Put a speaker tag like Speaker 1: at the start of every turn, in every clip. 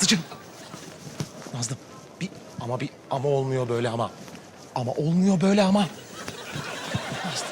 Speaker 1: Nazlıcığım. Nazlı ama olmuyor böyle ama. Ama olmuyor böyle ama. Nazlı.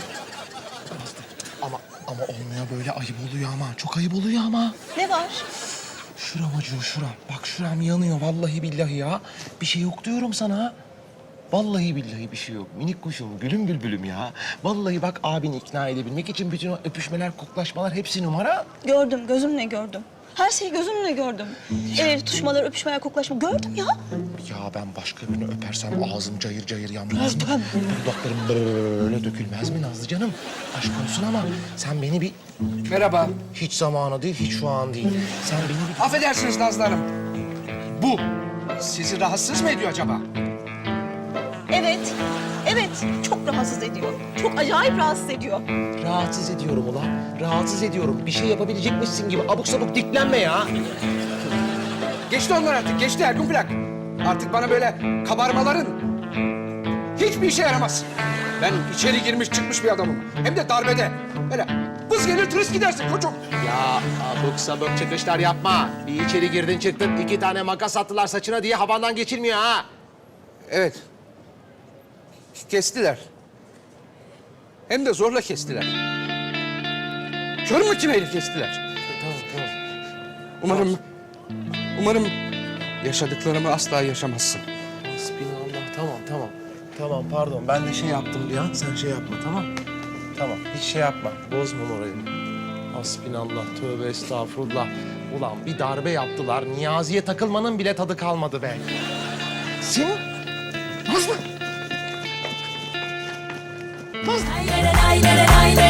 Speaker 1: Ama olmuyor böyle, ayıp oluyor ama. Çok ayıp oluyor ama.
Speaker 2: Ne var?
Speaker 1: Şuram acıyor, şuram. Bak şuram yanıyor vallahi billahi ya. Bir şey yok diyorum sana. Vallahi billahi bir şey yok. Minik kuşum, gülüm bülbülüm ya. Vallahi bak abini ikna edebilmek için bütün o öpüşmeler, koklaşmalar hepsi numara.
Speaker 2: Gördüm, gözümle gördüm. Her şeyi gözümle gördüm. El ele tutuşmalar, öpüşmeler, koklaşma. Gördüm ya.
Speaker 1: Ya ben başka birini öpersem ağzım cayır cayır yanmaz mı? Dudaklarım böyle dökülmez mi Nazlı canım? Aşk olsun ama sen beni bir...
Speaker 3: Merhaba.
Speaker 1: Hiç zamanı değil, hiç şu an değil. Sen beni bir...
Speaker 3: Affedersiniz Nazlı Hanım. Bu sizi rahatsız mı ediyor acaba?
Speaker 2: Evet, evet. Çok rahatsız ediyor. Çok acayip rahatsız ediyor.
Speaker 1: Rahatsız ediyorum ulan. Rahatsız ediyorum. Bir şey yapabilecekmişsin gibi abuk sabuk diklenme ya.
Speaker 3: Geçti onlar artık, geçti Ergun Plak. Artık bana böyle kabarmaların hiçbir işe yaramaz. Ben içeri girmiş çıkmış bir adamım. Hem de darbede. Böyle vız gelir turist gidersin koçum.
Speaker 1: Ya abuk sabuk çıkışlar yapma. Bir içeri girdin çıktın, 2 tane makas attılar saçına diye havandan geçilmiyor ha.
Speaker 3: Evet. Kestiler. Hem de zorla kestiler. Kör makineyle kestiler.
Speaker 1: Tamam.
Speaker 3: Umarım yaşadıklarımı asla yaşamazsın.
Speaker 1: Hasbinallah, tamam. Tamam, pardon. Ben de şey yaptım bir an. Sen şey yapma, tamam? Tamam, hiç şey yapma. Bozma morayı. Hasbinallah, tövbe estağfurullah. Ulan bir darbe yaptılar. Niyazi'ye takılmanın bile tadı kalmadı be. Sen... Nazlı!
Speaker 4: Lay lay lay lay lay.